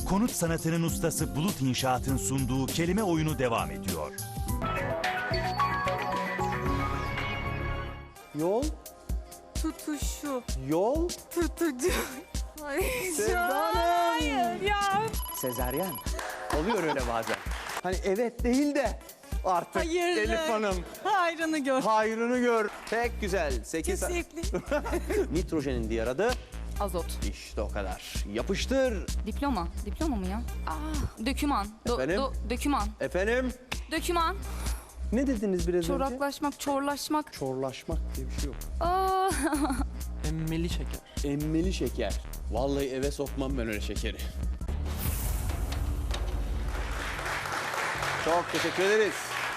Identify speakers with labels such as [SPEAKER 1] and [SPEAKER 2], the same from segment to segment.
[SPEAKER 1] Konut sanatının ustası Bulut İnşaat'ın sunduğu kelime oyunu devam ediyor.
[SPEAKER 2] Yol,
[SPEAKER 3] Tutuşu.
[SPEAKER 2] yol,
[SPEAKER 3] Tutucu. Ay,
[SPEAKER 2] Sevda
[SPEAKER 3] hayır
[SPEAKER 2] Hanım.
[SPEAKER 3] ya.
[SPEAKER 2] sezaryen. Oluyor öyle bazen. Hani evet değil de artık
[SPEAKER 3] Hayır.
[SPEAKER 2] Elif Hanım
[SPEAKER 3] Hayrını gör.
[SPEAKER 2] hayrını gör. Pek güzel. 8
[SPEAKER 3] Kesinlikle.
[SPEAKER 2] Nitrojenin diğer adı
[SPEAKER 4] Azot.
[SPEAKER 2] işte o kadar. Yapıştır.
[SPEAKER 4] Diploma. Diploma mı ya? Döküman.
[SPEAKER 2] Efendim?
[SPEAKER 4] Döküman.
[SPEAKER 2] Efendim?
[SPEAKER 4] Döküman.
[SPEAKER 2] Ne dediniz biraz önce?
[SPEAKER 4] Çoraklaşmak, çorlaşmak.
[SPEAKER 2] Çorlaşmak diye bir şey yok.
[SPEAKER 4] Aa,
[SPEAKER 5] Emmeli şeker.
[SPEAKER 2] Emmeli şeker. Vallahi eve sokmam ben öyle şekeri. Çok teşekkür ederiz.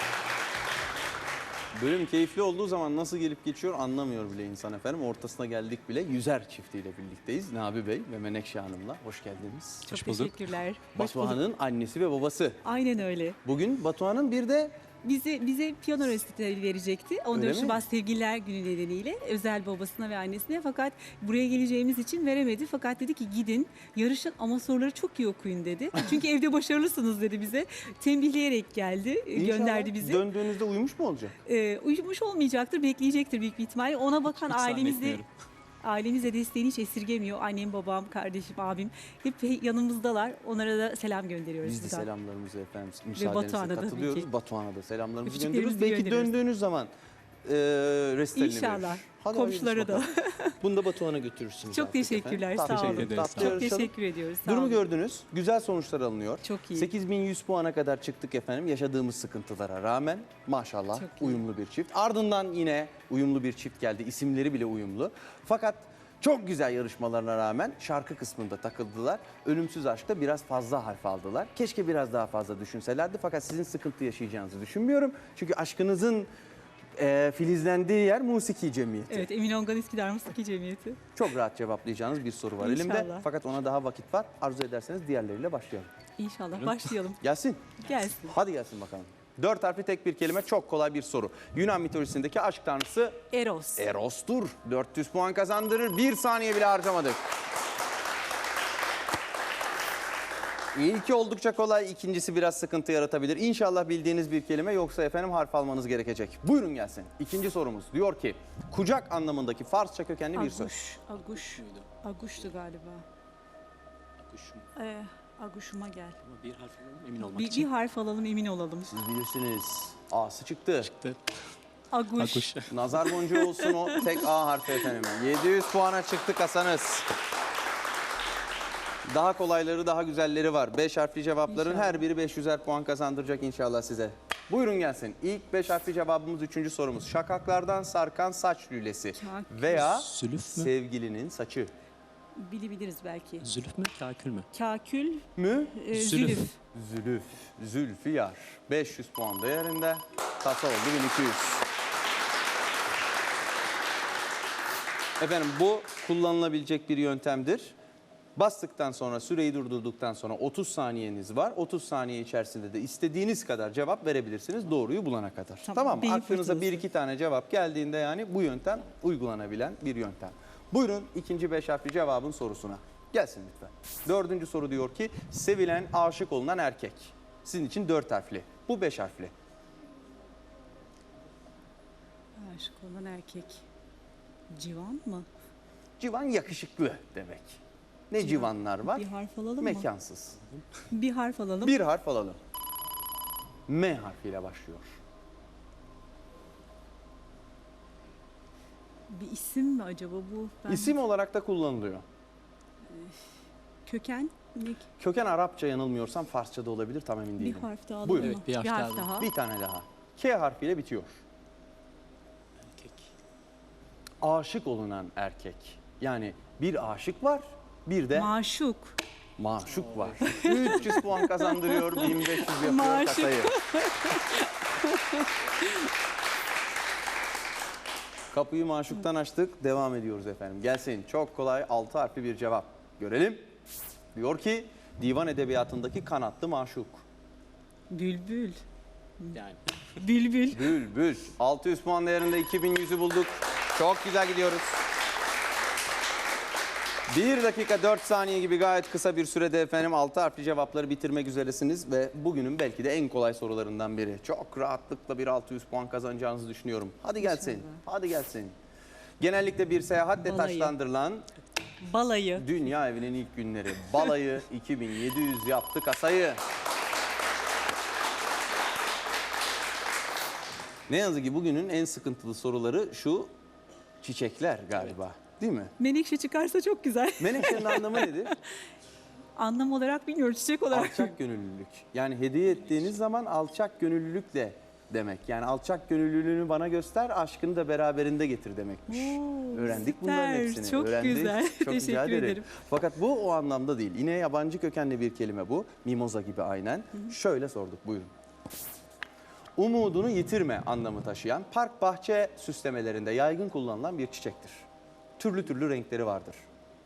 [SPEAKER 2] Bölüm keyifli olduğu zaman nasıl gelip geçiyor anlamıyor bile insan efendim. Ortasına geldik bile. Yüzer çiftiyle birlikteyiz. Nabi Bey ve Menekşe Hanım'la. Hoş geldiniz.
[SPEAKER 6] Çok
[SPEAKER 5] Hoş bulduk.
[SPEAKER 6] teşekkürler. Hoş bulduk.
[SPEAKER 2] Batuhan'ın annesi ve babası.
[SPEAKER 6] Aynen öyle.
[SPEAKER 2] Bugün Batuhan'ın bir de
[SPEAKER 6] Bize piyano resitali verecekti. 14
[SPEAKER 2] Öyle mi?
[SPEAKER 6] Şubat Sevgililer Günü nedeniyle özel babasına ve annesine, fakat buraya geleceğimiz için veremedi. Fakat dedi ki gidin yarışın ama soruları çok iyi okuyun dedi. Çünkü evde başarılısınız dedi bize. Tembihleyerek geldi, gönderdi bizi.
[SPEAKER 2] döndüğünüzde uyumuş mu olacak?
[SPEAKER 6] Uyumuş olmayacaktır, bekleyecektir büyük bir ihtimalle. Ona bakan
[SPEAKER 5] zannetmiyorum.
[SPEAKER 6] ailemize desteğini hiç esirgemiyor. Annem, babam, kardeşim, abim hep yanımızdalar. Onlara da selam gönderiyoruz.
[SPEAKER 2] Biz de
[SPEAKER 6] buradan.
[SPEAKER 2] selamlarımızı efendim müsaadenizle
[SPEAKER 6] Batuhan'a tabii
[SPEAKER 2] katılıyoruz.
[SPEAKER 6] ki.
[SPEAKER 2] Batuhan'a da selamlarımızı
[SPEAKER 6] Öpücüklerimizi
[SPEAKER 2] gönderiyoruz. Belki
[SPEAKER 6] gönderiyoruz.
[SPEAKER 2] döndüğünüz zaman resitalini
[SPEAKER 6] İnşallah.
[SPEAKER 2] verir. Hadi
[SPEAKER 6] Komşuları
[SPEAKER 2] hayırlısı
[SPEAKER 6] da.
[SPEAKER 2] bakalım. Bunu da Batuhan'a götürürsünüz.
[SPEAKER 6] Çok
[SPEAKER 2] artık
[SPEAKER 6] teşekkürler,
[SPEAKER 2] efendim.
[SPEAKER 6] sağ
[SPEAKER 2] Tatlı
[SPEAKER 6] olun.
[SPEAKER 5] ederiz,
[SPEAKER 2] tatlı
[SPEAKER 5] sağ olun.
[SPEAKER 6] Çok
[SPEAKER 2] yarışalım.
[SPEAKER 6] teşekkür ediyoruz. Sağ
[SPEAKER 2] Durumu
[SPEAKER 6] olun.
[SPEAKER 2] gördünüz. Güzel sonuçlar alınıyor.
[SPEAKER 6] Çok iyi.
[SPEAKER 2] 8100 puana kadar çıktık efendim. Yaşadığımız sıkıntılara rağmen maşallah
[SPEAKER 6] Çok iyi.
[SPEAKER 2] uyumlu bir çift. Ardından yine uyumlu bir çift geldi. İsimleri bile uyumlu. Fakat çok güzel yarışmalarına rağmen şarkı kısmında takıldılar. Ölümsüz aşkta biraz fazla harf aldılar. Keşke biraz daha fazla düşünselerdi. Fakat sizin sıkıntı yaşayacağınızı düşünmüyorum. Çünkü aşkınızın filizlendiği yer Musiki Cemiyeti.
[SPEAKER 6] Evet, Emin Ongan Üsküdar Musiki Cemiyeti.
[SPEAKER 2] Çok rahat cevaplayacağınız bir soru var elimde.
[SPEAKER 6] İnşallah.
[SPEAKER 2] Fakat ona daha vakit var. Arzu ederseniz diğerleriyle başlayalım.
[SPEAKER 6] İnşallah başlayalım.
[SPEAKER 2] Gelsin.
[SPEAKER 6] Gelsin.
[SPEAKER 2] Hadi gelsin bakalım. 4 harfli tek bir kelime, çok kolay bir soru. Yunan mitolojisindeki aşk tanrısı
[SPEAKER 6] Eros.
[SPEAKER 2] Eros'tur. 400 puan kazandırır. 1 saniye bile harcamadık. İlki oldukça kolay, ikincisi biraz sıkıntı yaratabilir. İnşallah bildiğiniz bir kelime, yoksa efendim harf almanız gerekecek. Buyurun gelsin. İkinci sorumuz diyor ki, kucak anlamındaki Farsça kökenli bir söz.
[SPEAKER 6] Aguş'tu galiba.
[SPEAKER 5] Kuşum.
[SPEAKER 6] Aguş'uma gel.
[SPEAKER 5] Ama bir harf alalım emin olmak
[SPEAKER 6] Bir
[SPEAKER 5] için.
[SPEAKER 6] harf alalım, emin olalım.
[SPEAKER 2] Siz bilirsiniz. A'sı çıktı.
[SPEAKER 6] Aguş.
[SPEAKER 5] Akuş.
[SPEAKER 2] Nazar boncuğu olsun o tek A harfi efendim. 700 puana çıktı kasanız. Daha kolayları, daha güzelleri var. 5 harfli cevapların
[SPEAKER 6] İnşallah.
[SPEAKER 2] her biri 500'er puan kazandıracak inşallah size. Buyurun gelsin. İlk 5 harfli cevabımız 3. sorumuz. Şakaklardan sarkan saç lülesi
[SPEAKER 6] Kakül.
[SPEAKER 2] veya
[SPEAKER 5] Zülüf mü?
[SPEAKER 2] sevgilinin saçı.
[SPEAKER 6] Bilebiliriz belki.
[SPEAKER 5] Zülüf mü? Kakül mü?
[SPEAKER 6] Kakül,
[SPEAKER 2] Mü?
[SPEAKER 5] Zülüf.
[SPEAKER 6] zülüf.
[SPEAKER 2] Zülüf. Zülfiyar. 500 puan değerinde. Kasa oldu 1200. Efendim bu kullanılabilecek bir yöntemdir. Bastıktan sonra, süreyi durdurduktan sonra 30 saniyeniz var. 30 saniye içerisinde de istediğiniz kadar cevap verebilirsiniz doğruyu bulana kadar. Tamam mı?
[SPEAKER 6] beyin
[SPEAKER 2] Aklınıza
[SPEAKER 6] fırtınası.
[SPEAKER 2] 1-2 tane cevap geldiğinde yani bu yöntem uygulanabilen bir yöntem. Buyurun ikinci 5 harfli cevabın sorusuna. Gelsin lütfen. 4. soru diyor ki, sevilen, aşık olunan erkek. Sizin için 4 harfli. Bu 5 harfli.
[SPEAKER 6] Aşık olan erkek. Civan mı?
[SPEAKER 2] Civan yakışıklı demek. Ne civanlar var?
[SPEAKER 6] Bir harf alalım mı?
[SPEAKER 2] Mekansız.
[SPEAKER 6] Bir harf alalım.
[SPEAKER 2] Bir harf alalım. M harfiyle başlıyor.
[SPEAKER 6] Bir isim mi acaba bu?
[SPEAKER 2] İsim olarak da kullanılıyor.
[SPEAKER 6] Köken.
[SPEAKER 2] Köken Arapça, yanılmıyorsam Farsça da olabilir, tam emin
[SPEAKER 6] Bir
[SPEAKER 2] değilim.
[SPEAKER 6] harf daha alalım
[SPEAKER 2] Buyurun.
[SPEAKER 6] mı?
[SPEAKER 5] Evet, bir harf daha.
[SPEAKER 2] Bir tane daha. K harfiyle bitiyor.
[SPEAKER 5] Erkek.
[SPEAKER 2] Aşık olunan erkek. Yani bir aşık var, bir de
[SPEAKER 6] Maşuk.
[SPEAKER 2] maşuk var. 300 puan kazandırıyor, 1500 yapıyor
[SPEAKER 6] Maşuk.
[SPEAKER 2] kasayı. Kapıyı maşuktan açtık, devam ediyoruz efendim. Gelsin, çok kolay 6 harfli bir cevap. Görelim. Diyor ki, divan edebiyatındaki kanatlı maşuk.
[SPEAKER 6] Bülbül.
[SPEAKER 5] Yani.
[SPEAKER 6] Bülbül.
[SPEAKER 2] Bülbül. 600 puan değerinde 2100'ü bulduk. Çok güzel gidiyoruz. 1 dakika 4 saniye gibi gayet kısa bir sürede efendim 6 harfli cevapları bitirmek üzeresiniz ve bugünün belki de en kolay sorularından biri. Çok rahatlıkla bir 600 puan kazanacağınızı düşünüyorum. Hadi gelsin. Hadi gelsin. Genellikle bir seyahatle
[SPEAKER 6] Balayı.
[SPEAKER 2] taşlandırılan
[SPEAKER 6] Balayı.
[SPEAKER 2] dünya evinin ilk günleri. Balayı 2700 yaptı kasayı. Ne yazık ki bugünün en sıkıntılı soruları şu çiçekler galiba. Değil mi?
[SPEAKER 6] Menekşe çıkarsa çok güzel.
[SPEAKER 2] Menekşenin anlamı nedir?
[SPEAKER 6] Anlam olarak bilmiyorum, çiçek olarak.
[SPEAKER 2] Alçak gönüllülük. Yani hediye ettiğiniz zaman alçak gönüllülükle demek. Yani alçak gönüllülüğünü bana göster, aşkını da beraberinde getir demekmiş.
[SPEAKER 6] Oo,
[SPEAKER 2] Öğrendik
[SPEAKER 6] süper.
[SPEAKER 2] bunların hepsini.
[SPEAKER 6] Çok
[SPEAKER 2] Öğrendik.
[SPEAKER 6] güzel.
[SPEAKER 2] Çok rica
[SPEAKER 6] Teşekkür
[SPEAKER 2] ederim.
[SPEAKER 6] ederim.
[SPEAKER 2] Fakat bu o anlamda değil. Yine yabancı kökenli bir kelime bu. Mimoza gibi aynen. Şöyle sorduk, buyurun. Umudunu yitirme anlamı taşıyan park bahçe süslemelerinde yaygın kullanılan bir çiçektir. Türlü türlü renkleri vardır.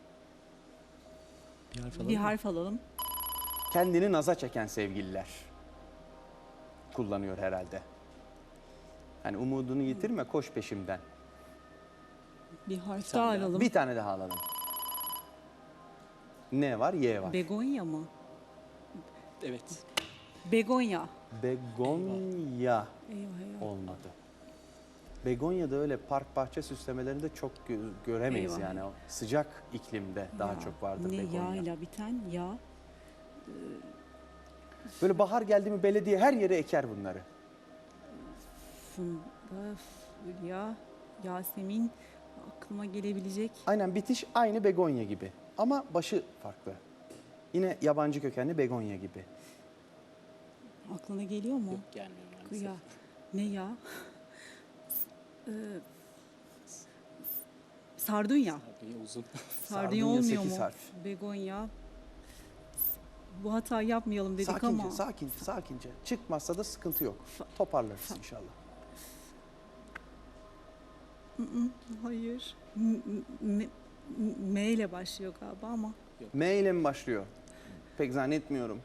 [SPEAKER 5] Bir harf alalım.
[SPEAKER 6] Bir harf alalım.
[SPEAKER 2] Kendini naza çeken sevgililer kullanıyor herhalde. Yani umudunu yitirme, koş peşimden.
[SPEAKER 6] Bir harf
[SPEAKER 5] tane
[SPEAKER 6] daha
[SPEAKER 5] daha.
[SPEAKER 6] alalım.
[SPEAKER 2] Bir tane daha alalım. Ne var? Y var.
[SPEAKER 6] Begonya mı?
[SPEAKER 5] Evet.
[SPEAKER 6] Begonya.
[SPEAKER 2] Begonya
[SPEAKER 6] Eyvah eyvah.
[SPEAKER 2] olmadı. Begonya da öyle park bahçe süslemelerinde çok göremeyiz
[SPEAKER 6] Eyvah.
[SPEAKER 2] yani. O sıcak iklimde daha
[SPEAKER 6] Ya,
[SPEAKER 2] çok vardır
[SPEAKER 6] ne
[SPEAKER 2] begonya.
[SPEAKER 6] yağıyla biten yağ.
[SPEAKER 2] Böyle bahar geldi mi belediye her yere eker bunları.
[SPEAKER 6] Funda, Fulya, Yasemin aklıma gelebilecek.
[SPEAKER 2] Aynen, bitiş aynı begonya gibi ama başı farklı. Yine yabancı kökenli begonya gibi.
[SPEAKER 6] Aklına geliyor mu?
[SPEAKER 5] Yok gelmiyor maalesef.
[SPEAKER 6] Ya. Ne ya? Sardunya.
[SPEAKER 5] Sardunya uzun.
[SPEAKER 6] Sardunya
[SPEAKER 2] Sardunya
[SPEAKER 6] olmuyor
[SPEAKER 2] 8
[SPEAKER 6] mu?
[SPEAKER 2] harf.
[SPEAKER 6] Begonya. Bu hatayı yapmayalım dedik
[SPEAKER 2] Sakince,
[SPEAKER 6] ama.
[SPEAKER 2] sakince. Çıkmazsa da sıkıntı yok. Toparlarız inşallah.
[SPEAKER 6] Hayır. M ile başlıyor galiba ama.
[SPEAKER 2] M ile mi başlıyor? Pek zannetmiyorum.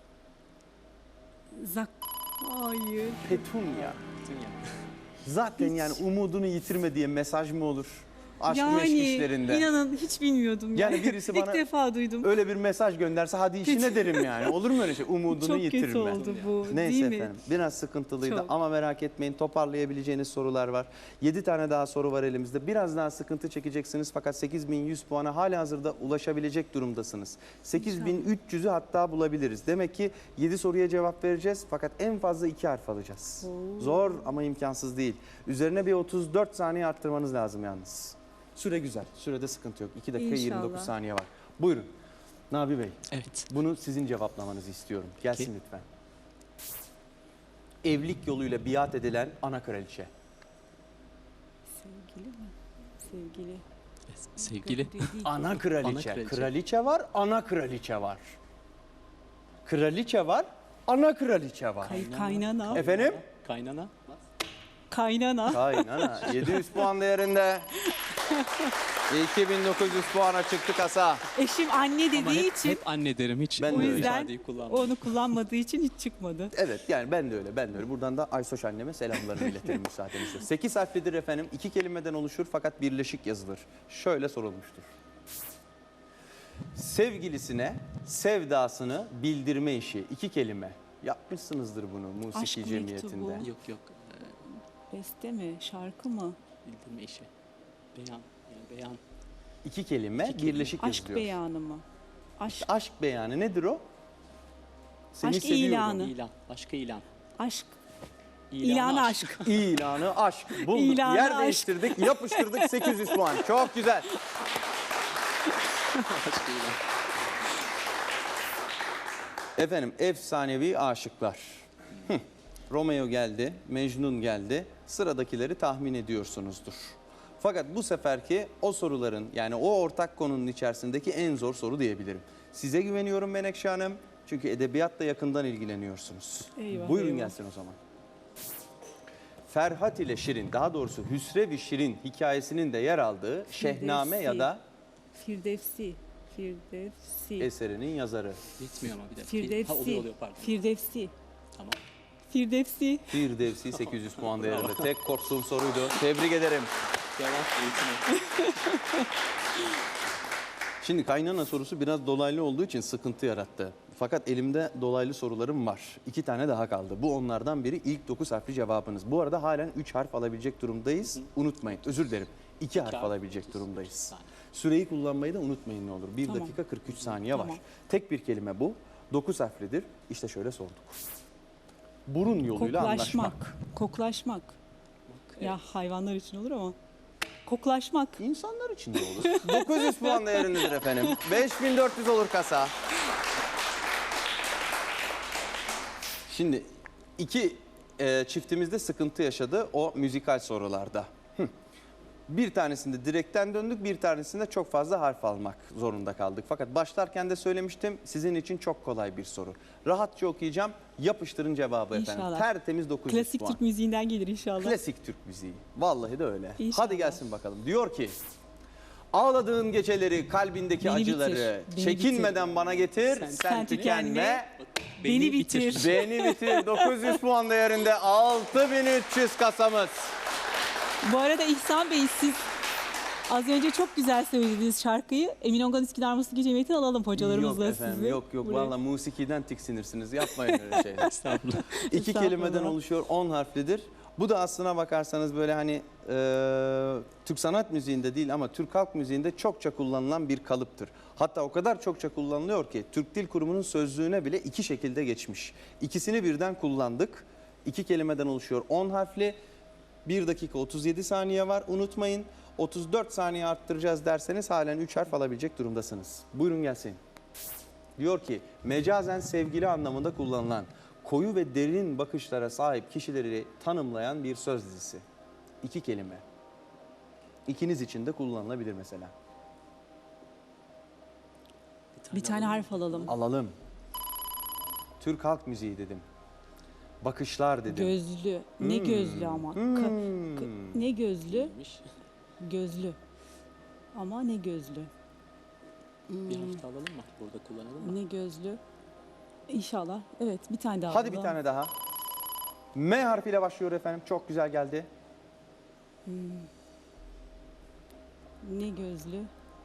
[SPEAKER 6] Zak. Hayır.
[SPEAKER 2] Petunia.
[SPEAKER 5] Dünya.
[SPEAKER 2] Zaten
[SPEAKER 6] Hiç.
[SPEAKER 2] yani umudunu yitirme diye mesaj mı olur? Aşk meşk işlerinde.
[SPEAKER 6] inanın hiç bilmiyordum.
[SPEAKER 2] Yani birisi
[SPEAKER 6] İlk
[SPEAKER 2] bana
[SPEAKER 6] defa duydum.
[SPEAKER 2] öyle bir mesaj gönderse hadi işine derim yani. Olur mu öyle şey? Umudunu
[SPEAKER 6] Çok
[SPEAKER 2] yitirme.
[SPEAKER 6] kötü oldu bu.
[SPEAKER 2] Neyse
[SPEAKER 6] değil mi?
[SPEAKER 2] efendim, biraz sıkıntılıydı
[SPEAKER 6] Çok.
[SPEAKER 2] ama merak etmeyin, toparlayabileceğiniz sorular var. 7 tane daha soru var elimizde. Biraz daha sıkıntı çekeceksiniz fakat 8100 puana halihazırda ulaşabilecek durumdasınız. 8300'ü hatta bulabiliriz. Demek ki 7 soruya cevap vereceğiz fakat en fazla 2 harf alacağız. Zor ama imkansız değil. Üzerine bir 34 saniye arttırmanız lazım yalnız. Süre güzel, sürede sıkıntı yok. 2 dakika
[SPEAKER 6] İnşallah.
[SPEAKER 2] 29 saniye var. Buyurun. Nabi Bey,
[SPEAKER 5] Evet.
[SPEAKER 2] bunu sizin cevaplamanızı istiyorum. Gelsin
[SPEAKER 5] Peki.
[SPEAKER 2] lütfen. Evlilik yoluyla biat edilen ana kraliçe.
[SPEAKER 6] Sevgili mi? Sevgili.
[SPEAKER 5] Sevgili.
[SPEAKER 6] Değil.
[SPEAKER 2] Ana kraliçe.
[SPEAKER 5] Ana kraliçe.
[SPEAKER 2] Kraliçe var, ana kraliçe var. Kraliçe var, ana kraliçe var.
[SPEAKER 6] Kaynana.
[SPEAKER 2] Efendim?
[SPEAKER 5] Kaynana.
[SPEAKER 6] Kaynana.
[SPEAKER 2] Kaynana. 700 puan değerinde. 2900 puana çıktı kasa.
[SPEAKER 6] Eşim anne
[SPEAKER 5] Ama
[SPEAKER 6] dediği
[SPEAKER 5] hep,
[SPEAKER 6] için
[SPEAKER 5] hep anne derim. Hiç
[SPEAKER 2] Ben
[SPEAKER 6] o
[SPEAKER 2] de öyle.
[SPEAKER 6] yüzden
[SPEAKER 5] ifadeyi kullanmam.
[SPEAKER 6] onu kullanmadığı için hiç çıkmadı.
[SPEAKER 2] Evet yani ben de öyle, ben de öyle. Buradan da Aysoş anneme selamlarımı iletirim müsaadenizle. 8 harflidir efendim. 2 kelimeden oluşur fakat birleşik yazılır. Şöyle sorulmuştur. Sevgilisine sevdasını bildirme işi. 2 kelime. Yapmışsınızdır bunu musiki
[SPEAKER 6] Aşk mektubu.
[SPEAKER 2] cemiyetinde.
[SPEAKER 5] Yok yok.
[SPEAKER 6] Beste mi? Şarkı mı?
[SPEAKER 5] Bildirme işi. Beyan. Yani beyan.
[SPEAKER 2] 2 kelime
[SPEAKER 5] İki kelime.
[SPEAKER 2] birleşik
[SPEAKER 6] Aşk
[SPEAKER 2] yazılıyor.
[SPEAKER 6] beyanı mı? Aşk.
[SPEAKER 2] Aşk beyanı nedir o? Seni
[SPEAKER 6] Aşk
[SPEAKER 2] seviyorum.
[SPEAKER 6] ilanı.
[SPEAKER 5] İlan. Başka ilan.
[SPEAKER 6] Aşk.
[SPEAKER 5] İlanı
[SPEAKER 6] İlanı aşk.
[SPEAKER 2] İlanı aşk. Bulduk.
[SPEAKER 6] İlanı
[SPEAKER 2] Yer
[SPEAKER 6] aşk.
[SPEAKER 2] değiştirdik, yapıştırdık 800 puan. Çok güzel.
[SPEAKER 5] Başka ilan.
[SPEAKER 2] Efendim efsanevi aşıklar. Romeo geldi, Mecnun geldi. Sıradakileri tahmin ediyorsunuzdur. Fakat bu seferki o soruların yani o ortak konunun içerisindeki en zor soru diyebilirim. Size güveniyorum Menekşe Hanım. Çünkü edebiyatla yakından ilgileniyorsunuz.
[SPEAKER 6] Eyvah,
[SPEAKER 2] Buyurun
[SPEAKER 6] eyvah.
[SPEAKER 2] gelsin o zaman. Ferhat ile Şirin, daha doğrusu Hüsrev-i Şirin hikayesinin de yer aldığı Şehname ya da
[SPEAKER 6] Firdevsi. Firdevsi.
[SPEAKER 2] eserinin yazarı.
[SPEAKER 5] Bitmiyor ama bir dakika.
[SPEAKER 6] Firdevsi.
[SPEAKER 5] Ha, oluyor pardon.
[SPEAKER 6] Firdevsi.
[SPEAKER 5] Tamam.
[SPEAKER 6] Firdevsi.
[SPEAKER 2] Firdevsi 800 puan değerinde. Tek korktuğum soruydu. Tebrik ederim.
[SPEAKER 5] Cevap eğitimi.
[SPEAKER 2] Şimdi kaynana sorusu biraz dolaylı olduğu için sıkıntı yarattı. Fakat elimde dolaylı sorularım var. 2 tane daha kaldı. Bu onlardan biri, ilk 9 harfli cevabınız. Bu arada halen 3 harf alabilecek durumdayız. Unutmayın. Özür dilerim. 2 harf
[SPEAKER 5] harf,
[SPEAKER 2] alabilecek
[SPEAKER 5] 30
[SPEAKER 2] durumdayız.
[SPEAKER 5] saniye.
[SPEAKER 2] Süreyi kullanmayı da unutmayın ne olur. 1
[SPEAKER 6] Tamam.
[SPEAKER 2] dakika 43 saniye var.
[SPEAKER 6] Tamam.
[SPEAKER 2] Tek bir kelime bu. 9 harflidir. İşte şöyle sorduk. Burun yoluyla anlaşmak.
[SPEAKER 6] Koklaşmak. Ya hayvanlar için olur ama. Koklaşmak.
[SPEAKER 2] İnsanlar için de olur. 900 puan değerindedir efendim. 5400 olur kasa. Şimdi iki çiftimizde sıkıntı yaşadı o müzikal sorularda. Bir tanesinde direkten döndük, bir tanesinde çok fazla harf almak zorunda kaldık. Fakat başlarken de söylemiştim, sizin için çok kolay bir soru. Rahatça okuyacağım, yapıştırın cevabı efendim.
[SPEAKER 6] İnşallah.
[SPEAKER 2] Tertemiz 900
[SPEAKER 6] Klasik
[SPEAKER 2] puan.
[SPEAKER 6] Türk müziğinden gelir inşallah.
[SPEAKER 2] Klasik Türk müziği. Vallahi de öyle.
[SPEAKER 6] İnşallah.
[SPEAKER 2] Hadi gelsin bakalım. Diyor ki, ağladığın geceleri, kalbindeki
[SPEAKER 6] Beni
[SPEAKER 2] acıları
[SPEAKER 6] bitir, beni
[SPEAKER 2] çekinmeden bana getir. Sen tükenme.
[SPEAKER 6] Beni bitir.
[SPEAKER 2] Beni bitir. 900 puan değerinde 6300 kasamız.
[SPEAKER 6] Bu arada İhsan Bey, siz az önce çok güzel söylediğiniz şarkıyı Emin Ongan Üsküdar Musiki Cemiyeti'ne alalım hocalarımızla
[SPEAKER 2] Yok efendim,
[SPEAKER 6] sizi.
[SPEAKER 2] yok.
[SPEAKER 6] buraya.
[SPEAKER 2] Valla musikiden tiksinirsiniz. Yapmayın öyle şeyler.
[SPEAKER 5] Estağfurullah.
[SPEAKER 2] İki
[SPEAKER 6] Estağfurullah.
[SPEAKER 2] kelimeden oluşuyor, 10 harflidir. Bu da aslına bakarsanız böyle hani Türk sanat müziğinde değil ama Türk halk müziğinde çokça kullanılan bir kalıptır. Hatta o kadar çokça kullanılıyor ki Türk Dil Kurumu'nun sözlüğüne bile 2 şekilde geçmiş. İkisini birden kullandık. 2 kelimeden oluşuyor, 10 harfli. 1 dakika 37 saniye var, unutmayın. 34 saniye arttıracağız derseniz halen 3 harf alabilecek durumdasınız. Buyurun gelsin. Diyor ki mecazen sevgili anlamında kullanılan koyu ve derin bakışlara sahip kişileri tanımlayan bir söz dizisi. 2 kelime. İkiniz için de kullanılabilir mesela.
[SPEAKER 6] Bir tane harf alalım.
[SPEAKER 2] Alalım. Türk halk müziği dedim. Bakışlar dedim.
[SPEAKER 6] Gözlü. Ne gözlü ama. Ne gözlü?
[SPEAKER 5] Neymiş?
[SPEAKER 6] Gözlü. Ama ne gözlü?
[SPEAKER 5] Bir harf daha alalım mı? Burada kullanalım mı?
[SPEAKER 6] Ne gözlü? İnşallah. Evet, bir tane daha
[SPEAKER 2] Hadi
[SPEAKER 6] alalım.
[SPEAKER 2] bir tane daha. M harfiyle başlıyor efendim. Çok güzel geldi.
[SPEAKER 6] Ne gözlü?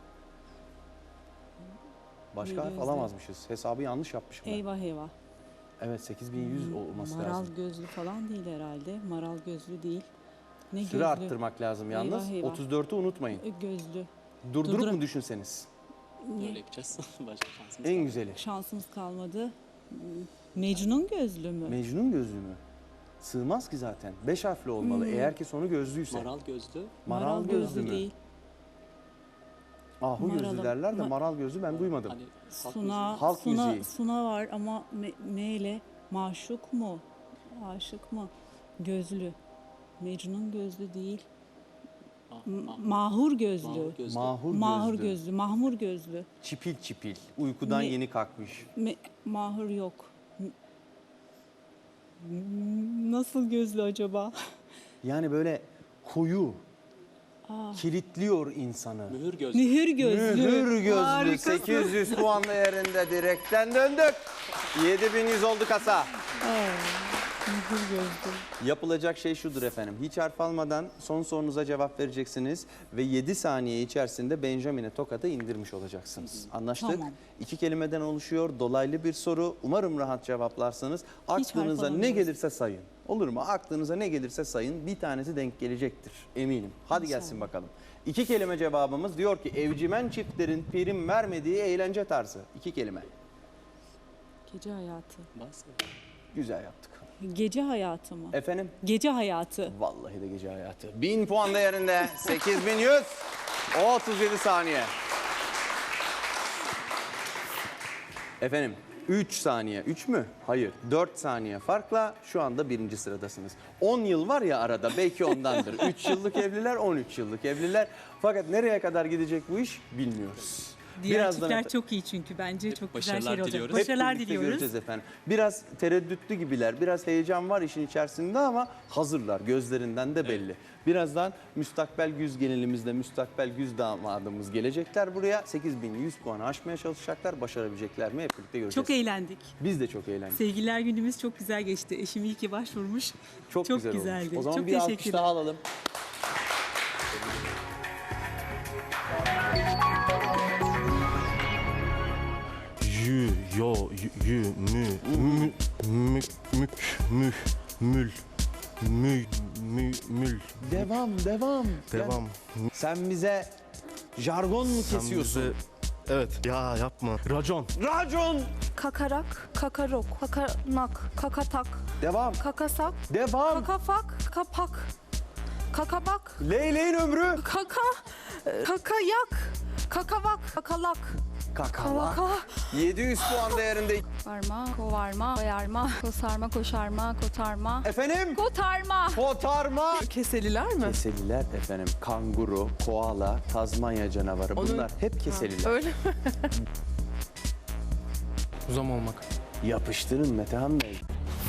[SPEAKER 2] Başka
[SPEAKER 6] Ne
[SPEAKER 2] harf
[SPEAKER 6] gözlü?
[SPEAKER 2] alamazmışız. Hesabı yanlış yapmışım ben.
[SPEAKER 6] Eyvah eyvah.
[SPEAKER 2] Evet 8100 olması
[SPEAKER 6] Maral
[SPEAKER 2] lazım.
[SPEAKER 6] gözlü falan değil herhalde. Maral gözlü değil. Ne
[SPEAKER 2] Süre
[SPEAKER 6] gözlü?
[SPEAKER 2] arttırmak lazım yalnız.
[SPEAKER 6] Eyvah, eyvah.
[SPEAKER 2] 34'ü unutmayın.
[SPEAKER 6] Gözlü.
[SPEAKER 2] Durdurup
[SPEAKER 6] Durdurak-
[SPEAKER 2] mu düşünseniz?
[SPEAKER 5] Böyle yapacağız. Başka şansımız
[SPEAKER 2] En
[SPEAKER 5] kalmadı.
[SPEAKER 2] güzeli.
[SPEAKER 6] Şansımız kalmadı. Mecnun gözlü mü?
[SPEAKER 2] Mecnun gözlü mü? Sığmaz ki zaten. 5 harfli olmalı. Eğer ki sonu gözlüyse.
[SPEAKER 5] Maral gözlü.
[SPEAKER 2] Maral gözlü mü?
[SPEAKER 6] değil.
[SPEAKER 2] Ahu gözlü
[SPEAKER 6] Maralı.
[SPEAKER 2] derler de maral gözlü ben duymadım.
[SPEAKER 5] Hani halk
[SPEAKER 6] Suna,
[SPEAKER 2] Halk
[SPEAKER 6] Suna,
[SPEAKER 2] müziği.
[SPEAKER 6] Suna var ama M ile maşuk mu? Aşık mı? Gözlü. Mecnun gözlü değil.
[SPEAKER 5] müziği.
[SPEAKER 6] Mahur gözlü.
[SPEAKER 5] Mahur gözlü.
[SPEAKER 2] Mahur,
[SPEAKER 6] Mahur
[SPEAKER 2] gözlü.
[SPEAKER 6] gözlü. Mahmur gözlü.
[SPEAKER 2] Çipil çipil. Uykudan
[SPEAKER 6] Ne-
[SPEAKER 2] yeni kalkmış.
[SPEAKER 6] Mahur yok. Nasıl gözlü acaba?
[SPEAKER 2] Yani böyle koyu. Kilitliyor insanı.
[SPEAKER 5] Mühür gözlü.
[SPEAKER 6] Mühür gözlü.
[SPEAKER 2] Mühür gözlü.
[SPEAKER 6] Harikasın.
[SPEAKER 2] 800 puan değerinde direkten döndük. 7100 oldu kasa.
[SPEAKER 6] Mühür gözlü.
[SPEAKER 2] Yapılacak şey şudur efendim. Hiç harf almadan son sorunuza cevap vereceksiniz ve 7 saniye içerisinde Benjamin'e tokadı indirmiş olacaksınız. Anlaştık?
[SPEAKER 6] Tamam.
[SPEAKER 2] 2 kelimeden oluşuyor. Dolaylı bir soru. Umarım rahat cevaplarsınız.
[SPEAKER 6] harf
[SPEAKER 2] Aklınıza ne
[SPEAKER 6] alamıyoruz.
[SPEAKER 2] gelirse sayın. Olur mu? Aklınıza ne gelirse sayın. Bir tanesi denk gelecektir. Eminim. Hadi gelsin bakalım. 2 kelime cevabımız diyor ki evcimen çiftlerin prim vermediği eğlence tarzı. 2 kelime.
[SPEAKER 6] Gece hayatı.
[SPEAKER 5] Bas.
[SPEAKER 2] Güzel yaptık.
[SPEAKER 6] Gece hayatı mı?
[SPEAKER 2] Efendim?
[SPEAKER 6] Gece hayatı.
[SPEAKER 2] Vallahi de gece hayatı. 1000 puan değerinde 8100. 37 saniye. Efendim 3 saniye. 3 mü? Hayır. 4 saniye farkla şu anda 1. sıradasınız. 10 yıl var ya arada belki ondandır. 3 yıllık evliler, 13 yıllık evliler. Fakat nereye kadar gidecek bu iş bilmiyoruz.
[SPEAKER 6] Diğer çiftler çok iyi çünkü bence
[SPEAKER 5] Hep
[SPEAKER 6] çok güzel
[SPEAKER 5] başarılar
[SPEAKER 6] şeyler olacak.
[SPEAKER 5] diliyoruz.
[SPEAKER 2] Hep
[SPEAKER 6] Başarılar
[SPEAKER 2] birlikte
[SPEAKER 6] diliyoruz.
[SPEAKER 2] göreceğiz efendim. Biraz tereddütlü gibiler, biraz heyecan var işin içerisinde ama hazırlar. Gözlerinden de belli. Birazdan müstakbel güz gelinimizle müstakbel güz damadımız gelecekler buraya. 8100 puanı aşmaya çalışacaklar. Başarabilecekler mi hep birlikte göreceğiz.
[SPEAKER 6] Çok eğlendik.
[SPEAKER 2] Biz de çok eğlendik.
[SPEAKER 6] Sevgililer günümüz çok güzel geçti. Eşim iyi ki başvurmuş.
[SPEAKER 2] Çok güzel olmuş.
[SPEAKER 6] güzeldi.
[SPEAKER 2] O zaman
[SPEAKER 6] çok
[SPEAKER 2] bir alkış
[SPEAKER 6] teşekkürler.
[SPEAKER 2] daha alalım. Devam.
[SPEAKER 7] Devam.
[SPEAKER 2] Sen bize jargon mu
[SPEAKER 7] Sen
[SPEAKER 2] kesiyorsun?
[SPEAKER 7] bize- Evet. Ya yapma. Racon.
[SPEAKER 2] Racon.
[SPEAKER 4] Kakarak, kakarok, kakanak, kakatak,
[SPEAKER 2] Devam.
[SPEAKER 4] kakasak,
[SPEAKER 2] Devam.
[SPEAKER 4] kakafak, kapak, kakabak,
[SPEAKER 2] Leyleğin ömrü.
[SPEAKER 4] kakayak, kakavak, kakalak,
[SPEAKER 2] Kakala.
[SPEAKER 4] kalaka,
[SPEAKER 2] 700 puan değerinde.
[SPEAKER 4] varma, kovarma, koyarma, kosarma, koşarma, kotarma,
[SPEAKER 2] Efendim?
[SPEAKER 4] kotarma.
[SPEAKER 2] Kotarma.
[SPEAKER 3] Keseliler mi?
[SPEAKER 2] Keseliler efendim. Kanguru, koala, Tazmanya canavarı. Bunlar hep keseliler.
[SPEAKER 3] Öyle mi?
[SPEAKER 5] Uzam olmak.
[SPEAKER 2] Yapıştırın Metehan Bey.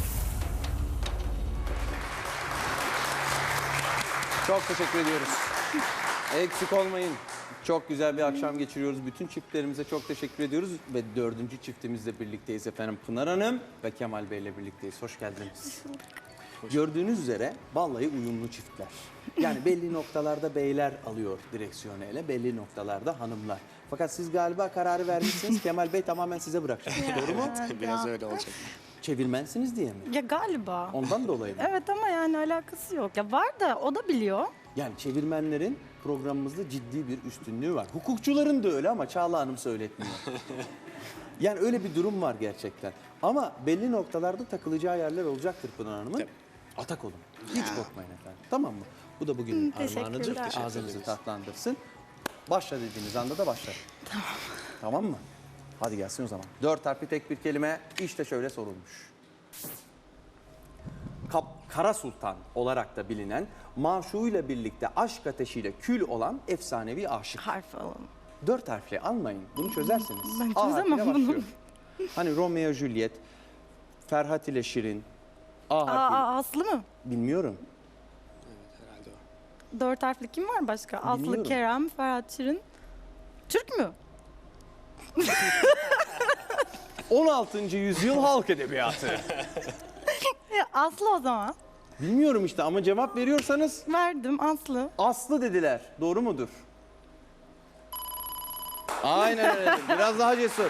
[SPEAKER 2] Çok teşekkür ediyoruz. Eksik olmayın. Çok güzel bir akşam geçiriyoruz. Bütün çiftlerimize çok teşekkür ediyoruz. Ve 4. çiftimizle birlikteyiz efendim. Pınar Hanım ve Kemal Bey ile birlikteyiz. Hoş geldiniz. Gördüğünüz üzere vallahi uyumlu çiftler. Yani belli noktalarda beyler alıyor direksiyonu ele, belli noktalarda hanımlar. Fakat siz galiba kararı vermişsiniz. Kemal Bey tamamen size bırakacak. Doğru mu?
[SPEAKER 5] Biraz öyle olacak.
[SPEAKER 2] Çevirmensiniz diye mi?
[SPEAKER 8] Ya galiba.
[SPEAKER 2] Ondan dolayı mı?
[SPEAKER 8] Evet ama yani alakası yok. Ya var da o da biliyor.
[SPEAKER 2] Yani çevirmenlerin programımızda ciddi bir üstünlüğü var. Hukukçuların da öyle ama Çağla Hanım söyletmiyor. Yani öyle bir durum var gerçekten. Ama belli noktalarda takılacağı yerler olacaktır Pınar Hanım'ın. Atak olun. Hiç korkmayın efendim. Tamam mı? Bu da bugünün armağanıdır.
[SPEAKER 8] teşekkürler.
[SPEAKER 2] Ağzınızı tatlandırsın. Başla dediğiniz anda da başlar. Tamam. Tamam mı? Hadi gelsin o zaman. 4 harfli tek bir kelime işte şöyle sorulmuş. Kara Sultan olarak da bilinen, maşuğuyla birlikte aşk ateşiyle kül olan efsanevi aşık.
[SPEAKER 8] Harf alalım.
[SPEAKER 2] 4 harfli almayın. Bunu çözersiniz.
[SPEAKER 8] Ben
[SPEAKER 2] A
[SPEAKER 8] çözemem
[SPEAKER 2] harfiyle
[SPEAKER 8] bunu.
[SPEAKER 2] başlıyor. Hani Romeo Juliet, Ferhat ile Şirin. A harfi.
[SPEAKER 8] Aslı mı?
[SPEAKER 2] Bilmiyorum.
[SPEAKER 5] Herhalde o.
[SPEAKER 8] 4 harfli kim var başka? Aslı,
[SPEAKER 2] Bilmiyorum.
[SPEAKER 8] Kerem, Ferhat Şirin. Türk mü?
[SPEAKER 2] 16. yüzyıl halk edebiyatı.
[SPEAKER 8] Aslı o zaman.
[SPEAKER 2] Bilmiyorum işte ama cevap veriyorsanız
[SPEAKER 8] Verdim Aslı.
[SPEAKER 2] Aslı dediler. Doğru mudur? Aynen öyle. Biraz daha cesur.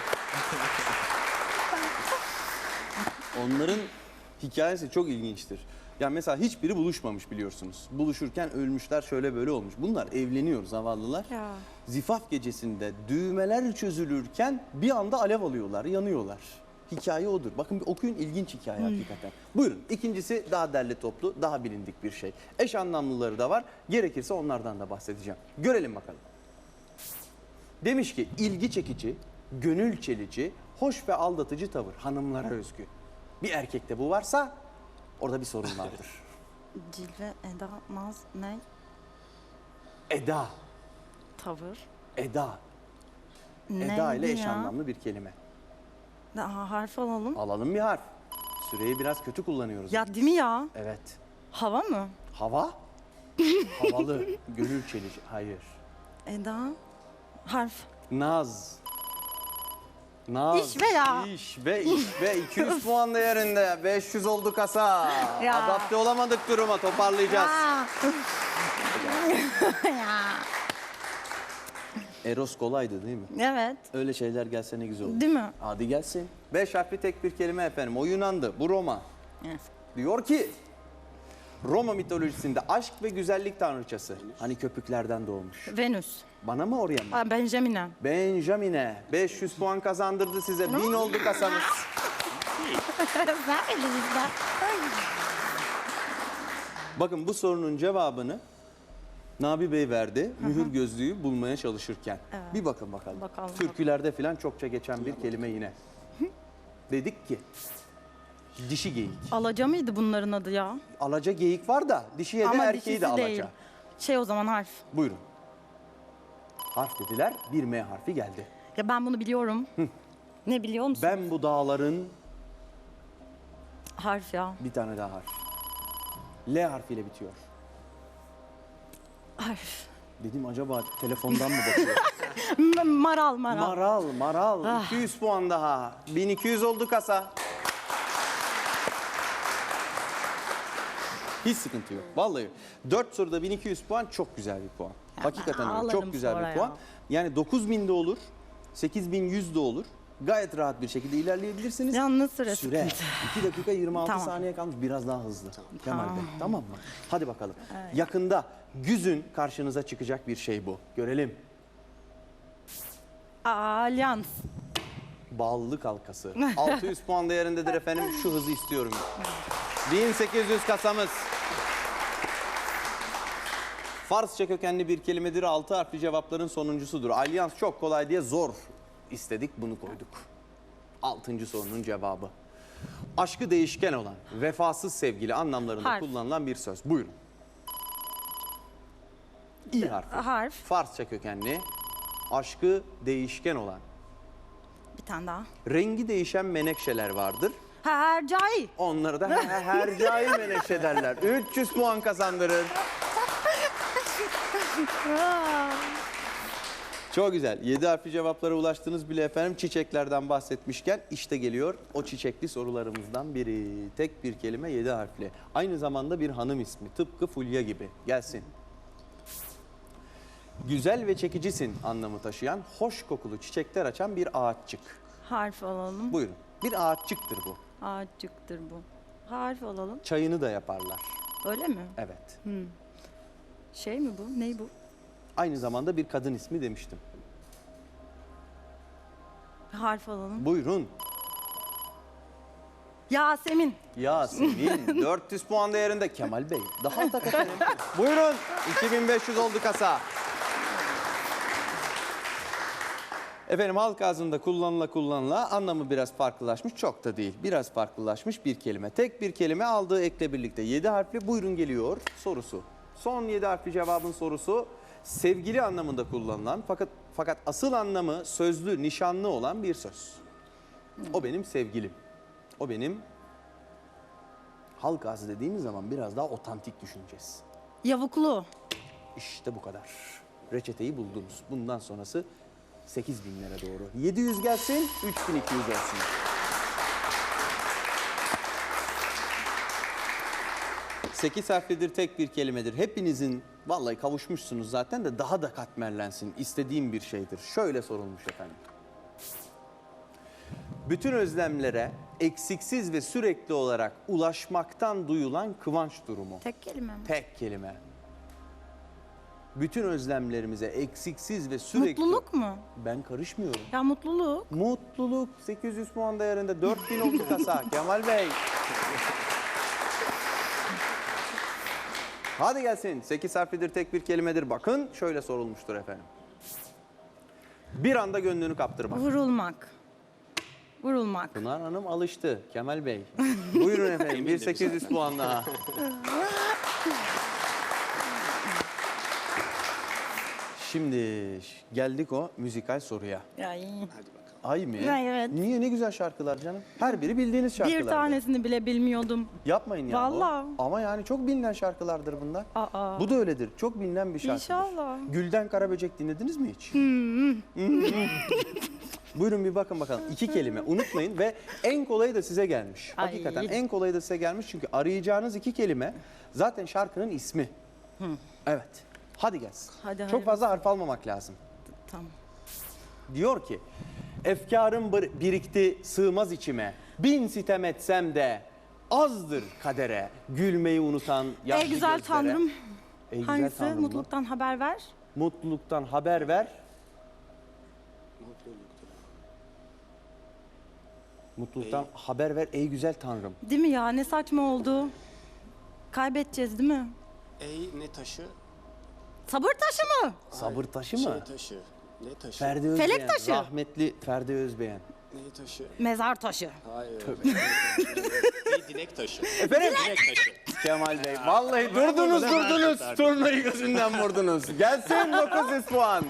[SPEAKER 2] Onların hikayesi çok ilginçtir. Yani mesela hiçbiri buluşmamış biliyorsunuz. Buluşurken ölmüşler, şöyle böyle olmuş. Bunlar evleniyor zavallılar.
[SPEAKER 8] Ya.
[SPEAKER 2] Zifaf gecesinde düğmeler çözülürken bir anda alev alıyorlar, yanıyorlar. Hikaye odur. Bakın bir okuyun, ilginç hikaye hakikaten. Buyurun. İkincisi daha derli toplu, daha bilindik bir şey. Eş anlamlıları da var. Gerekirse onlardan da bahsedeceğim. Görelim bakalım. Demiş ki ilgi çekici, gönül çelici, hoş ve aldatıcı tavır hanımlara özgü. Bir erkekte bu varsa orada bir sorun vardır.
[SPEAKER 8] Cilve, Eda, Naz, ne?
[SPEAKER 2] Eda,
[SPEAKER 8] Tavır.
[SPEAKER 2] Eda.
[SPEAKER 8] Ne
[SPEAKER 2] Eda ile eş
[SPEAKER 8] ya?
[SPEAKER 2] anlamlı bir kelime.
[SPEAKER 8] Daha harf alalım.
[SPEAKER 2] Alalım bir harf. Süreyi biraz kötü kullanıyoruz.
[SPEAKER 8] Ya değil mi ya?
[SPEAKER 2] Evet.
[SPEAKER 8] Hava mı?
[SPEAKER 2] Hava? Havalı. Gönül çelici. Hayır.
[SPEAKER 8] Eda. Harf.
[SPEAKER 2] Naz. Naz.
[SPEAKER 8] İş ve ya.
[SPEAKER 2] İş ve 200 puan değerinde. 500 oldu kasa.
[SPEAKER 8] Ya.
[SPEAKER 2] Adapte olamadık duruma. Toparlayacağız. Eros kolaydı değil mi?
[SPEAKER 8] Evet.
[SPEAKER 2] Öyle şeyler gelse ne güzel olur.
[SPEAKER 8] Değil mi?
[SPEAKER 2] Hadi gelsin. 5 harfli tek bir kelime efendim. O Yunan'dı. Bu Roma. Diyor ki Roma mitolojisinde aşk ve güzellik tanrıçası. Hani köpüklerden doğmuş.
[SPEAKER 8] Venüs.
[SPEAKER 2] Bana mı oraya mı?
[SPEAKER 8] Benjamin'e.
[SPEAKER 2] Benjamin'e 500 puan kazandırdı size. 1000 oldu kasanız. Bakın bu sorunun cevabını Nabi Bey verdi. Mühür gözlüğü bulmaya çalışırken. Bir bakın bakalım.
[SPEAKER 8] Bakalım.
[SPEAKER 2] Türkülerde falan çokça geçen bir kelime yine. Dedik ki dişi geyik.
[SPEAKER 8] Alaca mıydı bunların adı ya?
[SPEAKER 2] Alaca geyik var da dişiye de
[SPEAKER 8] Ama
[SPEAKER 2] erkeği de
[SPEAKER 8] dişisi
[SPEAKER 2] alaca.
[SPEAKER 8] değil. Şey o zaman harf.
[SPEAKER 2] Buyurun. Harf dediler. Bir M harfi geldi.
[SPEAKER 8] Ya ben bunu biliyorum. Ne biliyor musun?
[SPEAKER 2] Ben bu dağların
[SPEAKER 8] Harf ya.
[SPEAKER 2] bir tane daha harf. L harfiyle bitiyor.
[SPEAKER 8] Harf.
[SPEAKER 2] Dedim acaba telefondan mı bakıyor?
[SPEAKER 8] Maral.
[SPEAKER 2] Maral. 200 puan daha. 1200 oldu kasa. Hiç sıkıntı yok. Vallahi 4 soruda 1200 puan çok güzel bir puan. Hakikaten öyle.
[SPEAKER 8] ağlarım
[SPEAKER 2] Çok güzel
[SPEAKER 8] sonra
[SPEAKER 2] bir
[SPEAKER 8] ya.
[SPEAKER 2] puan. Yani 9000 de olur, 8100 de olur. Gayet rahat bir şekilde ilerleyebilirsiniz.
[SPEAKER 8] Yalnız süre
[SPEAKER 2] Süre.
[SPEAKER 8] sıkıntı.
[SPEAKER 2] 2 dakika 26
[SPEAKER 8] Tamam.
[SPEAKER 2] saniye kalmış. Biraz daha hızlı. Kemal Bey. Tamam mı? Hadi bakalım.
[SPEAKER 8] Evet.
[SPEAKER 2] Yakında güzün karşınıza çıkacak bir şey bu. Görelim.
[SPEAKER 8] Alyans.
[SPEAKER 2] Bağlılık halkası. 600 puan değerindedir efendim. Şu hızı istiyorum. 1800 kasamız. Farsça kökenli bir kelimedir. 6 harfli cevapların sonuncusudur. Alyans çok kolay diye zor istedik, bunu koyduk. 6. sorunun cevabı. Aşkı değişken olan, vefasız sevgili anlamlarında
[SPEAKER 8] Harf.
[SPEAKER 2] kullanılan bir söz. Buyurun. İ harfi.
[SPEAKER 8] Harf.
[SPEAKER 2] Farsça kökenli, aşkı değişken olan,
[SPEAKER 8] Bir tane daha.
[SPEAKER 2] rengi değişen menekşeler vardır.
[SPEAKER 8] Hercai.
[SPEAKER 2] Onları da hercai menekşe derler. 300 puan kazandırır. Çok güzel. 7 harfli cevaplara ulaştınız bile efendim. Çiçeklerden bahsetmişken işte geliyor o çiçekli sorularımızdan biri. Tek bir kelime 7 harfli. Aynı zamanda bir hanım ismi. Tıpkı Fulya gibi. Gelsin. Güzel ve çekicisin anlamı taşıyan, hoş kokulu çiçekler açan bir ağaççık.
[SPEAKER 8] Harf alalım.
[SPEAKER 2] Buyurun. Bir ağaççıktır bu.
[SPEAKER 8] Ağaççıktır bu. Harf alalım.
[SPEAKER 2] Çayını da yaparlar.
[SPEAKER 8] Öyle mi?
[SPEAKER 2] Evet.
[SPEAKER 8] Şey mi bu? Ney bu?
[SPEAKER 2] Aynı zamanda bir kadın ismi demiştim.
[SPEAKER 8] Harf alalım.
[SPEAKER 2] Buyurun.
[SPEAKER 8] Yasemin.
[SPEAKER 2] Yasemin 400 puan değerinde. Kemal Bey daha tak efendim. Buyurun 2500 oldu kasa. Efendim halk ağzında kullanıla anlamı biraz farklılaşmış. Çok da değil. Biraz farklılaşmış bir kelime. Tek bir kelime aldığı ekle birlikte 7 harfli. Buyurun geliyor sorusu. Son 7 harfli cevabın sorusu sevgili anlamında kullanılan fakat asıl anlamı sözlü, nişanlı olan bir söz. O benim sevgilim. O benim halk ağzı dediğimiz zaman biraz daha otantik düşüneceğiz.
[SPEAKER 8] Yavuklu.
[SPEAKER 2] İşte bu kadar. Reçeteyi buldunuz. Bundan sonrası 8.000'lere doğru. 700 gelsin, 3.200 olsun. Sekiz harflidir, tek bir kelimedir. Hepinizin vallahi kavuşmuşsunuz zaten de daha da katmerlensin. İstediğim bir şeydir. Şöyle sorulmuş efendim. Bütün özlemlere eksiksiz ve sürekli olarak ulaşmaktan duyulan kıvanç durumu.
[SPEAKER 8] Tek kelime mi?
[SPEAKER 2] Tek kelime. Bütün özlemlerimize eksiksiz ve sürekli...
[SPEAKER 8] Mutluluk mu?
[SPEAKER 2] Ben karışmıyorum.
[SPEAKER 8] Ya mutluluk.
[SPEAKER 2] Mutluluk 800 puan değerinde 4000 oldu kasa. Kemal Bey. Hadi gelsin. 8 harflidir, tek bir kelimedir. Bakın şöyle sorulmuştur efendim. Bir anda gönlünü kaptırmak.
[SPEAKER 8] Vurulmak. Vurulmak.
[SPEAKER 2] Pınar Hanım alıştı. Kemal Bey. Buyurun efendim. 1800 puan daha. Şimdi geldik o müzikal soruya.
[SPEAKER 8] Ya iyi.
[SPEAKER 2] Ay mı?
[SPEAKER 8] Evet.
[SPEAKER 2] Niye? Ne güzel şarkılar canım. Her biri bildiğiniz şarkılar.
[SPEAKER 8] Bir tanesini bile bilmiyordum.
[SPEAKER 2] Yapmayın ya.
[SPEAKER 8] Vallahi.
[SPEAKER 2] Ama yani çok bilinen şarkılardır bunlar.
[SPEAKER 8] Aa.
[SPEAKER 2] Bu da öyledir. Çok bilinen bir şarkıdır.
[SPEAKER 8] İnşallah.
[SPEAKER 2] Gülden Karaböcek dinlediniz mi hiç? Buyurun bir bakın bakalım. 2 kelime unutmayın ve en kolayı da size gelmiş.
[SPEAKER 8] Ay.
[SPEAKER 2] Hakikaten en kolayı da size gelmiş çünkü arayacağınız 2 kelime zaten şarkının ismi. Evet. Hadi gelsin.
[SPEAKER 8] Hadi,
[SPEAKER 2] çok fazla harf almamak lazım.
[SPEAKER 8] Tamam.
[SPEAKER 2] Diyor ki, efkarım birikti sığmaz içime, bin sitem etsem de azdır kadere, gülmeyi unutan yaşlı
[SPEAKER 8] Ey güzel
[SPEAKER 2] gözlere.
[SPEAKER 8] Tanrım.
[SPEAKER 2] Ey güzel
[SPEAKER 8] Hangisi?
[SPEAKER 2] Tanrım mı?
[SPEAKER 8] Mutluluktan haber ver.
[SPEAKER 2] Mutluluktan haber ver. Mutluluktan haber ver ey güzel Tanrım.
[SPEAKER 8] Değil mi ya? Ne saçma oldu. Kaybedeceğiz değil mi?
[SPEAKER 5] Ey ne taşı?
[SPEAKER 8] Sabır taşı mı?
[SPEAKER 2] Sabır taşı mı?
[SPEAKER 5] Şey taşı. Ne taşı?
[SPEAKER 2] Ferdi Özbeğen.
[SPEAKER 8] Felek taşı.
[SPEAKER 2] Rahmetli Ferdi Özbeğen.
[SPEAKER 5] Ne taşı?
[SPEAKER 8] Mezar taşı.
[SPEAKER 5] Hayır. Ey dilek taşı.
[SPEAKER 2] Efendim?
[SPEAKER 5] Dilek taşı.
[SPEAKER 2] Kemal Bey. Vallahi durdunuz. Turnayı gözünden vurdunuz. Gelsin 900 puan.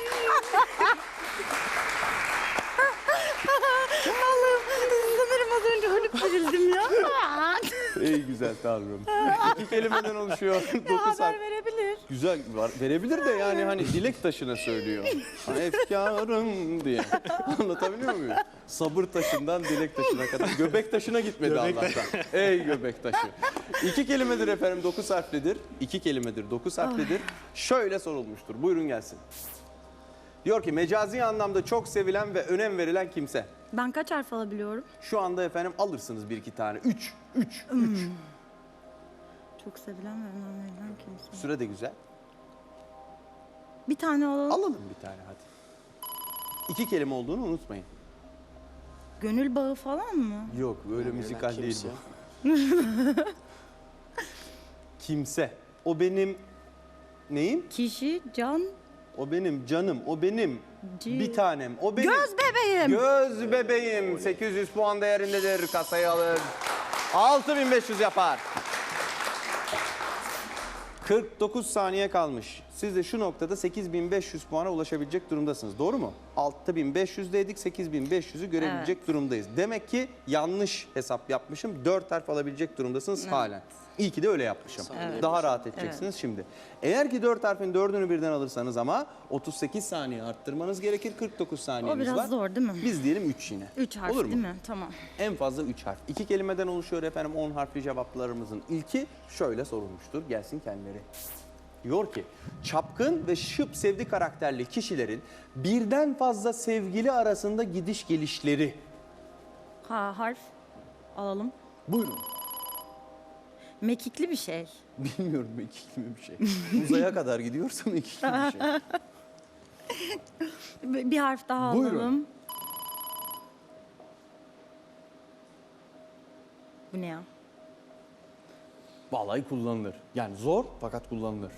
[SPEAKER 8] Allah'ım sanırım az önce ölüp dirildim ya.
[SPEAKER 2] Ey güzel Tanrım. 2 kelimeden oluşuyor. 9 harf.
[SPEAKER 8] Haber verebilir.
[SPEAKER 2] Güzel var. Verebilir de yani hani dilek taşına söylüyor. Hani efkarım diye. Anlatabiliyor muyum? Sabır taşından dilek taşına kadar. Göbek taşına gitmedi Allah'tan. Ey göbek taşı. 2 kelimedir efendim 9 harflidir. 2 kelimedir 9 harflidir. Şöyle sorulmuştur. Buyurun gelsin. Diyor ki mecazi anlamda çok sevilen ve önem verilen kimse.
[SPEAKER 8] Ben kaç harf alabiliyorum?
[SPEAKER 2] Şu anda efendim alırsınız bir iki tane. 3.
[SPEAKER 8] Çok sevilen ve önem verilen kimse.
[SPEAKER 2] Süre de güzel.
[SPEAKER 8] Bir tane alalım.
[SPEAKER 2] Alalım bir tane hadi. 2 kelime olduğunu unutmayın.
[SPEAKER 8] Gönül bağı falan mı?
[SPEAKER 2] Yok öyle müzikal değil
[SPEAKER 5] kimse.
[SPEAKER 2] bu. Kimse. O benim neyim?
[SPEAKER 8] Kişi, can,
[SPEAKER 2] O benim canım. O benim bir tanem. O benim.
[SPEAKER 8] göz bebeğim.
[SPEAKER 2] Göz bebeğim. 800 puan değerindedir. Kasayı alır. 6500 yapar. 49 saniye kalmış. Siz de şu noktada 8500 puana ulaşabilecek durumdasınız. Doğru mu? 6500'deydik, 8500'ü görebilecek durumdayız. Demek ki yanlış hesap yapmışım. 4 harf alabilecek durumdasınız halen. İyi ki de öyle yapmışım. Daha rahat edeceksiniz şimdi. Eğer ki 4 harfin 4'ünü birden alırsanız ama 38 saniye arttırmanız gerekir. 49 saniyeniz
[SPEAKER 8] O biraz
[SPEAKER 2] var.
[SPEAKER 8] zor değil mi?
[SPEAKER 2] Biz diyelim 3 yine.
[SPEAKER 8] 3 harf
[SPEAKER 2] Olur mu?
[SPEAKER 8] değil mi? Tamam.
[SPEAKER 2] En fazla 3 harf. 2 kelimeden oluşuyor efendim 10 harfli cevaplarımızın ilki şöyle sorulmuştur. Gelsin kendileri. Diyor ki çapkın ve şıp sevdi karakterli kişilerin birden fazla sevgili arasında gidiş gelişleri.
[SPEAKER 8] Harf alalım.
[SPEAKER 2] Buyurun.
[SPEAKER 8] Mekikli bir şey.
[SPEAKER 2] Bilmiyorum mekikli mi bir şey. Uzaya kadar gidiyorsa mekikli bir şey.
[SPEAKER 8] Bir harf daha
[SPEAKER 2] Buyurun.
[SPEAKER 8] alalım. Bu ne ya?
[SPEAKER 2] Vallahi kullanılır. Yani zor fakat kullanılır.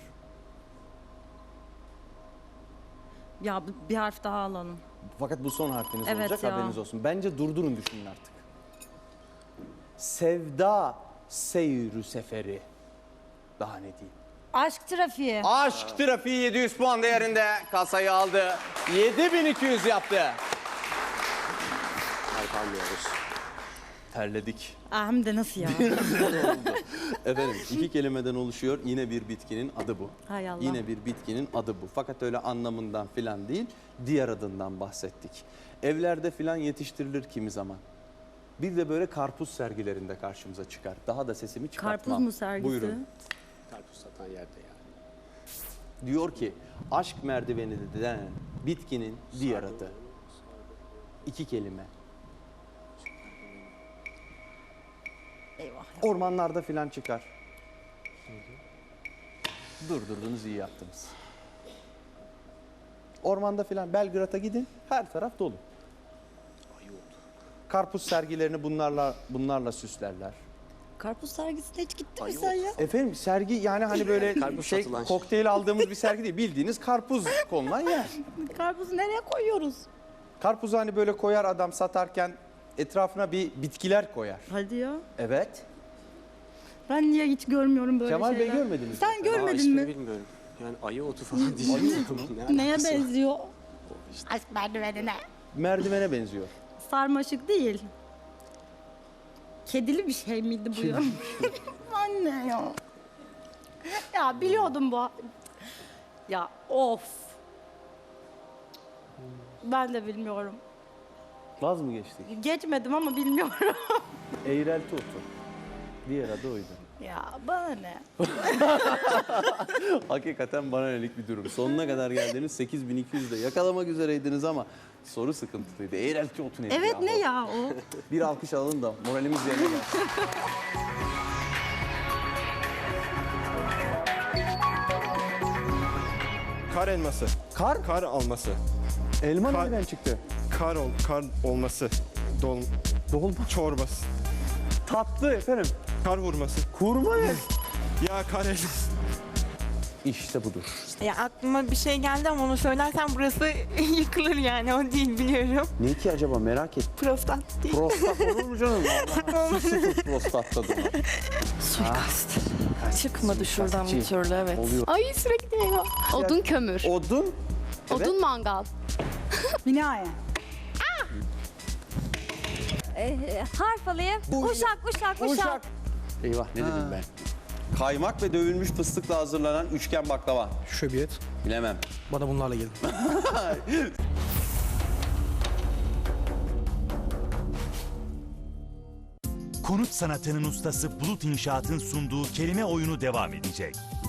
[SPEAKER 8] Ya bir harf daha alalım.
[SPEAKER 2] Fakat bu son harfiniz
[SPEAKER 8] Evet
[SPEAKER 2] olacak
[SPEAKER 8] ya.
[SPEAKER 2] haberiniz olsun. Bence durdurun düşünün artık. Sevda seyrü seferi. Daha ne diyeyim?
[SPEAKER 8] Aşk trafiği.
[SPEAKER 2] Aşk trafiği 700 puan değerinde kasayı aldı. 7200 yaptı.
[SPEAKER 5] Harf almıyoruz.
[SPEAKER 2] Terledik.
[SPEAKER 8] Hem de nasıl ya?
[SPEAKER 2] Efendim 2 kelimeden oluşuyor. Yine bir bitkinin adı bu.
[SPEAKER 8] Hay Allah.
[SPEAKER 2] Yine bir bitkinin adı bu. Fakat öyle anlamından filan değil, diğer adından bahsettik. Evlerde filan yetiştirilir kimi zaman. Bir de böyle karpuz sergilerinde karşımıza çıkar. Daha da sesimi çıkartmam.
[SPEAKER 8] Karpuz mu sergisi?
[SPEAKER 2] Buyurun.
[SPEAKER 5] Karpuz satan yerde yani.
[SPEAKER 2] Diyor ki aşk merdiveni denen bitkinin diğer adı. 2 kelime.
[SPEAKER 8] Eyvah.
[SPEAKER 2] Ormanlarda filan çıkar. Durdurdunuz, iyi yaptınız. Ormanda filan Belgrad'a gidin, her taraf dolu. Karpuz sergilerini bunlarla süslerler.
[SPEAKER 8] Karpuz sergisine hiç gittin mi sen ya?
[SPEAKER 2] Efendim sergi yani hani böyle
[SPEAKER 5] Karpuz satılan şey.
[SPEAKER 2] kokteyl aldığımız bir sergi değil. Bildiğiniz karpuz konulan yer.
[SPEAKER 8] Karpuzu nereye koyuyoruz?
[SPEAKER 2] Karpuzu hani böyle koyar adam satarken etrafına bir bitkiler koyar.
[SPEAKER 8] Hadi ya.
[SPEAKER 2] Evet.
[SPEAKER 8] Ben niye hiç görmüyorum böyle
[SPEAKER 2] Kemal Bey
[SPEAKER 8] şeyler?
[SPEAKER 2] görmediniz mi?
[SPEAKER 8] Sen
[SPEAKER 5] Aa,
[SPEAKER 8] görmedin
[SPEAKER 5] ismini
[SPEAKER 8] mi?
[SPEAKER 5] bilmiyorum. Yani ayı otu falan diyeceğim. Ne
[SPEAKER 8] Neye
[SPEAKER 5] alakası var?
[SPEAKER 8] benziyor? Aşk merdivenine.
[SPEAKER 2] Merdivene benziyor.
[SPEAKER 8] Sarmaşık değil. Kedili bir şey miydi bu ya? Anne ya. Ya biliyordum bu. Ya of. Ben de bilmiyorum.
[SPEAKER 2] Vaz mı geçtik?
[SPEAKER 8] Geçmedim ama bilmiyorum.
[SPEAKER 2] Eğrelti otu. Diğer adı oydu.
[SPEAKER 8] Ya bana ne?
[SPEAKER 2] Hakikaten bana nelik bir durum. Sonuna kadar geldiniz 8200'de yakalamak üzereydiniz ama soru sıkıntılıydı. Eğrelti otu nedir
[SPEAKER 8] Evet
[SPEAKER 2] ya?
[SPEAKER 8] ne ya o?
[SPEAKER 2] Bir alkış alalım da moralimiz yerine gelsin.
[SPEAKER 7] Kar elması.
[SPEAKER 2] Kar?
[SPEAKER 7] Kar alması.
[SPEAKER 2] Elma
[SPEAKER 7] Kar-
[SPEAKER 2] nereden çıktı?
[SPEAKER 7] Kar olması.
[SPEAKER 2] Dolma.
[SPEAKER 7] Çorbası.
[SPEAKER 2] Tatlı efendim.
[SPEAKER 7] Kar vurması.
[SPEAKER 2] Kurma ne?
[SPEAKER 7] Ya kar elması.
[SPEAKER 2] İşte budur.
[SPEAKER 3] Ya aklıma bir şey geldi ama onu söylersem burası yıkılır yani. O değil biliyorum.
[SPEAKER 2] Ne ki acaba merak et.
[SPEAKER 3] Prostat değil.
[SPEAKER 2] Prostat olur mu canım? Sıfır prostat tadı var.
[SPEAKER 3] Suikast. Çıkmadı şuradan bir
[SPEAKER 2] Suikastçı.
[SPEAKER 3] türlü evet.
[SPEAKER 2] Oluyor.
[SPEAKER 4] Ay sürekli eyvah. Odun kömür.
[SPEAKER 2] Odun. Evet.
[SPEAKER 4] Odun mangal.
[SPEAKER 8] Binaya.
[SPEAKER 4] Harf alayım. Uşak.
[SPEAKER 2] Eyvah ne dedim ben? Kaymak ve dövülmüş fıstıkla hazırlanan üçgen baklava.
[SPEAKER 9] Şöbiyet.
[SPEAKER 2] Bilemem.
[SPEAKER 9] Bana bunlarla gelin.
[SPEAKER 1] Konut sanatının ustası Bulut İnşaat'ın sunduğu kelime oyunu devam edecek.